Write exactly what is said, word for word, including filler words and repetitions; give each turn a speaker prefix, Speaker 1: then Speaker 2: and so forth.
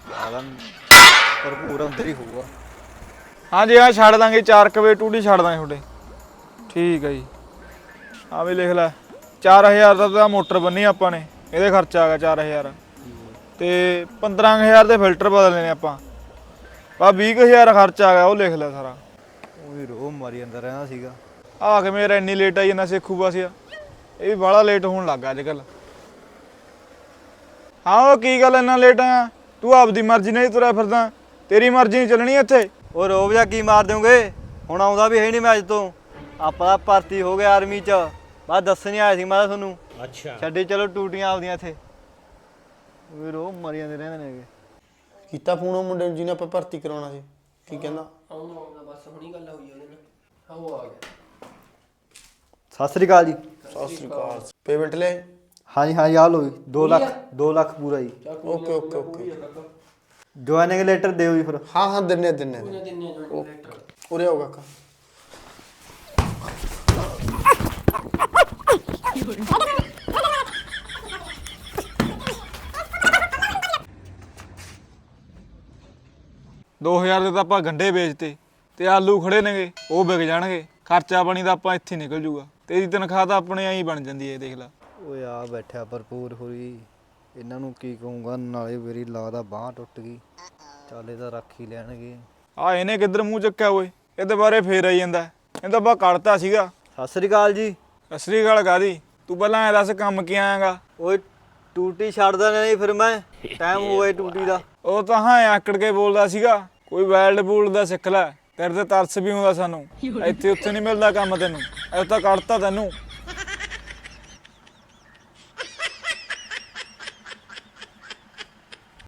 Speaker 1: ਭਰਪੂਰ ਅੰਦਰ ਹੀ ਹੋਊਗਾ।
Speaker 2: ਹਾਂਜੀ ਹਾਂ ਛੱਡ ਦਾਂਗੇ ਚਾਰ ਕੁ ਵਜੇ ਟੂਟੀ ਛੱਡ ਦਾਂਗੇ ਤੁਹਾਡੇ। ਠੀਕ ਹੈ ਜੀ। ਆ ਵੀ ਲਿਖ ਲੈ ਚਾਰ ਹਜ਼ਾਰ ਦਾ ਤਾਂ ਮੋਟਰ ਬੰਨੀ ਆਪਾਂ ਨੇ, ਇਹਦੇ ਖਰਚਾ ਆ ਗਿਆ ਚਾਰ ਹਜ਼ਾਰ ਤੇ ਪੰਦਰਾਂ ਕੁ ਹਜ਼ਾਰ ਦੇ ਫਿਲਟਰ ਬਦਲਨੇ ਨੇ ਆਪਾਂ। ਬਾ ਵੀਹ ਕੁ ਹਜ਼ਾਰ ਖਰਚਾ ਆ ਗਿਆ, ਉਹ ਲਿਖ ਲੈ ਸਾਰਾ।
Speaker 1: ਉਹ ਵੀ ਰੋਹ ਮਾਰੀ ਅੰਦਰ ਰਹਿੰਦਾ ਸੀਗਾ।
Speaker 2: ਆ ਕੇ ਮੇਰਾ ਇੰਨੀ ਲੇਟ ਆਈ ਜਾਂਦਾ ਸੇਖੂ ਬਸ ਆ, ਇਹ ਵੀ ਬਾਹਲਾ ਲੇਟ ਹੋਣ ਲੱਗ ਗਿਆ ਅੱਜ ਕੱਲ੍ਹ। ਹਾਂ ਉਹ ਕੀ ਗੱਲ ਇੰਨਾ ਲੇਟ ਆ? ਤੂੰ ਆਪਦੀ ਮਰਜ਼ੀ ਨਾਲ ਹੀ ਤੁਰਿਆ ਫਿਰਦਾ, ਤੇਰੀ ਮਰਜ਼ੀ ਨਹੀਂ ਚੱਲਣੀ ਇੱਥੇ।
Speaker 1: ਉਹ ਰੋਬ ਜਾ ਕੀ ਮਾਰ ਦਿਓਗੇ? ਹੁਣ ਆਉਂਦਾ ਵੀ ਹੈ ਨਹੀਂ ਮੈਂ ਅੱਜ ਤੋਂ। ਆਪਾਂ ਤਾਂ ਭਰਤੀ ਹੋ ਗਏ ਆਰਮੀ 'ਚ। ਬਸ ਦੱਸਣ ਹੀ ਆਇਆ ਸੀ ਮੈਂ ਤਾਂ ਤੁਹਾਨੂੰ। ਅੱਛਾ ਛੱਡੀ ਚਲੋ ਟੂਟੀਆਂ ਆਪਦੀਆਂ ਇੱਥੇ। ਉਹ ਵੀ ਰੋਹ ਮਾਰੀ ਜਾਂਦੇ ਰਹਿੰਦੇ ਨੇ।
Speaker 3: ਕੀਤਾ ਫੋਨ ਉਹ ਮੁੰਡੇ ਨੂੰ ਜਿਹਨੇ ਆਪਾਂ ਭਰਤੀ ਕਰਾਉਣਾ ਸੀ? ਕੀ ਕਹਿੰਦਾ?
Speaker 4: ਆਉਂਦਾ ਆਉਂਦਾ ਬਸ ਹੁਣੀ ਗੱਲ ਹੋਈ ਉਹਦੇ ਨਾਲ। ਹਾਂ ਉਹ ਆ ਗਿਆ।
Speaker 1: ਸਤਿ ਸ੍ਰੀ ਅਕਾਲ ਜੀ।
Speaker 3: ਸਤਿ ਸ੍ਰੀ ਅਕਾਲ। ਪੇਮੈਂਟ ਲੈ?
Speaker 1: ਹਾਂਜੀ ਹਾਂਜੀ ਆ ਲਓ ਜੀ, ਦੋ ਲੱਖ ਦੋ ਲੱਖ ਪੂਰਾ ਜੀ।
Speaker 3: Okay okay okay.
Speaker 1: Joining letter ਦਿਓ ਜੀ ਫਿਰ।
Speaker 3: ਹਾਂ ਹਾਂ ਦਿੰਨੇ ਦਿੰਨੇ
Speaker 4: ਉਹਨੇ ਦਿੰਨੇ ਜੁਆਇਨਿੰਗ ਲੈਟਰ।
Speaker 3: ਉਰੇ ਆਓ ਕਾਕਾ।
Speaker 2: ਦੋ ਹਜ਼ਾਰ ਦੇ ਤਾਂ ਆਪਾਂ ਗੰਢੇ ਵੇਚਤੇ ਤੇ ਆਲੂ ਖੜੇ ਨੇਗੇ, ਉਹ ਵਿਕ ਜਾਣਗੇ। ਖਰਚਾ ਪਾਣੀ ਤਾਂ ਆਪਾਂ ਇੱਥੇ ਨਿਕਲ ਜੂਗਾ। ਤੇਰੀ ਤਨਖਾਹ ਤਾਂ ਆਪਣੇ ਆਈ ਬਣ ਜਾਂਦੀ ਹੈ, ਦੇਖ ਲੈ।
Speaker 1: ਓਏ ਆ ਬੈਠਿਆ ਭਰਪੂਰ ਹੋਈ। ਇਹਨਾਂ ਨੂੰ ਕੀ ਕਹੂੰਗਾ, ਨਾਲੇ ਮੇਰੀ ਲੱਗਦਾ ਬਾਂਹ ਟੁੱਟ ਗਈ। ਚੱਲ ਇਹ ਤਾਂ ਰੱਖ ਹੀ ਲੈਣਗੇ।
Speaker 2: ਆ ਇਹਨੇ ਕਿੱਧਰ ਮੂੰਹ ਚੱਕਿਆ ਓਏ? ਇਹਦੇ ਬਾਰੇ ਫੇਰ ਆਈ ਜਾਂਦਾ। ਇਹਦਾ ਬਾ ਕੱਢਤਾ ਸੀਗਾ।
Speaker 1: ਸਤਿ ਸ੍ਰੀ ਅਕਾਲ ਜੀ।
Speaker 2: ਅਸਲੀ ਗੱਲ ਕਾਹਦੀ? ਤੂੰ ਪਹਿਲਾਂ ਐ ਦੱਸ ਕੰਮ ਕੀ ਆਇਆਗਾ?
Speaker 1: ਓਏ ਟੂਟੀ ਛੱਡਦਾ ਨਹੀਂ ਫਿਰ ਮੈਂ, ਟਾਈਮ ਹੋਇਆ ਟੂਟੀ ਦਾ।
Speaker 2: ਉਹ ਤਾਂ ਹਾਂ ਆਕੜ ਕੇ ਬੋਲਦਾ ਸੀਗਾ। ਕੋਈ ਵੈਲਡ ਬੂਲਡ ਦਾ ਸਿੱਖ ਲੈ, ਤੇਰੇ ਤੇ ਤਰਸ ਵੀ ਆਉਂਦਾ ਸਾਨੂੰ। ਇੱਥੇ ਉੱਥੇ ਨਹੀਂ ਮਿਲਦਾ ਕੰਮ ਤੈਨੂੰ, ਇਹ ਤਾਂ ਕੱਢਤਾ ਤੈਨੂੰ।